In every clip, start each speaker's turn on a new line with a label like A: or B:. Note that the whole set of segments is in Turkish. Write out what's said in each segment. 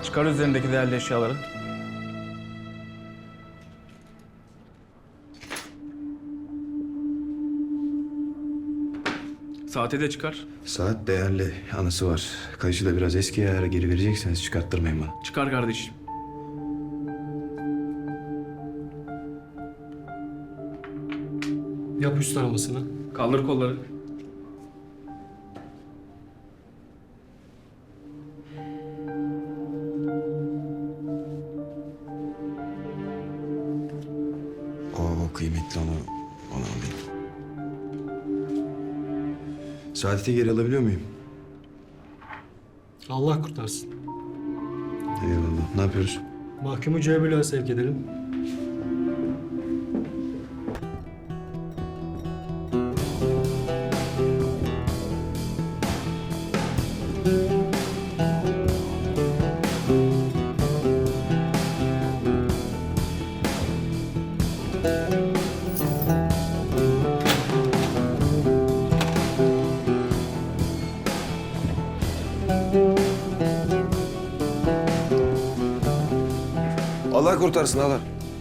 A: Çıkar üzerindeki değerli eşyaları. Saati de çıkar.
B: Saat değerli, anısı var. Kayışı da biraz eski ayara geri verecekseniz çıkarttırmayın bana.
A: Çıkar kardeşim.
C: Yap üst aramasını.
A: Kaldır kolları.
B: O kıymetli, onu alayım. Saadet'i geri alabiliyor muyum?
C: Allah kurtarsın.
B: Eyvallah. Ne yapıyoruz?
C: Mahkumu C1'e sevk edelim.
B: Allah kurtarsın Allah.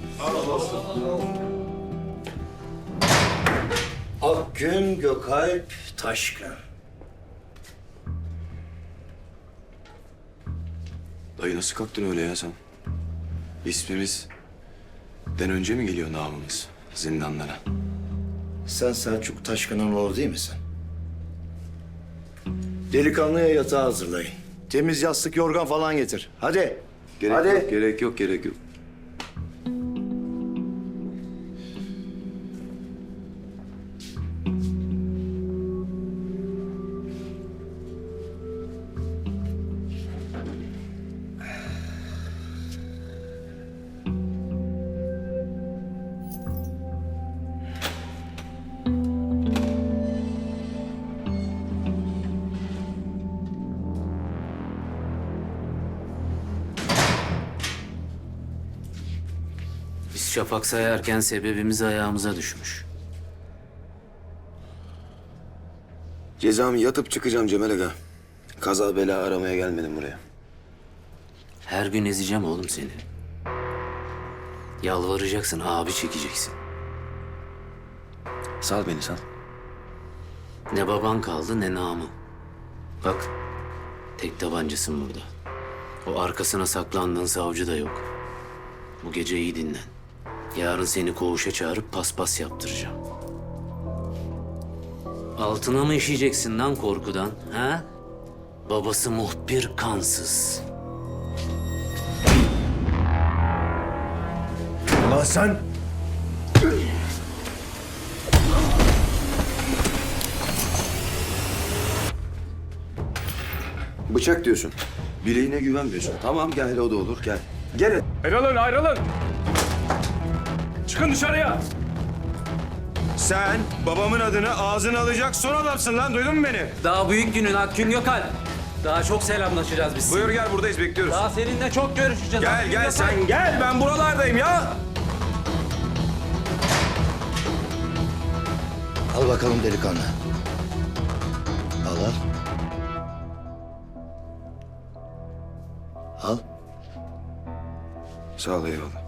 D: Akgün Gökalp Taşkın.
B: Dayı nasıl kalktın öyle ya sen? İsmimizden önce mi geliyor namımız zindanlara?
D: Sen Selçuk Taşkın'ın oğlu değil misin? Delikanlıya yatağı hazırlayın. Temiz yastık, yorgan falan getir. Hadi. Hadi.
B: Gerek yok.
E: Biz şafak sayarken sebebimiz ayağımıza düşmüş.
B: Cezamı yatıp çıkacağım Cemal Aga. Kaza bela aramaya gelmedim buraya.
E: Her gün ezeceğim oğlum seni. Yalvaracaksın, abi çekeceksin.
B: Sal beni sal.
E: Ne baban kaldı ne namı. Bak, tek tabancasın burada. O arkasına saklandığın savcı da yok. Bu gece iyi dinlen. Yarın seni koğuşa çağırıp paspas yaptıracağım. Altına mı işeyeceksin lan korkudan, ha? Babası muhbir kansız.
D: Ulan sen...
B: Bıçak diyorsun. Bileğine güvenmiyorsun. Tamam gel o da olur gel. Gel.
A: Ayrılın. Çıkın dışarıya.
B: Sen babamın adını ağzına alacak son adamsın lan duydun mu beni?
F: Daha büyük günün Akgün Gökalp. Daha çok selamlaşacağız biz.
B: Buyur gel buradayız bekliyoruz.
F: Daha seninle çok görüşeceğiz.
B: Gel
F: Akgün
B: gel
F: Gökalp.
B: sen gel ben buralardayım ya.
D: Al bakalım delikanlı. Al. Al.
B: Sağ ol eyvallah.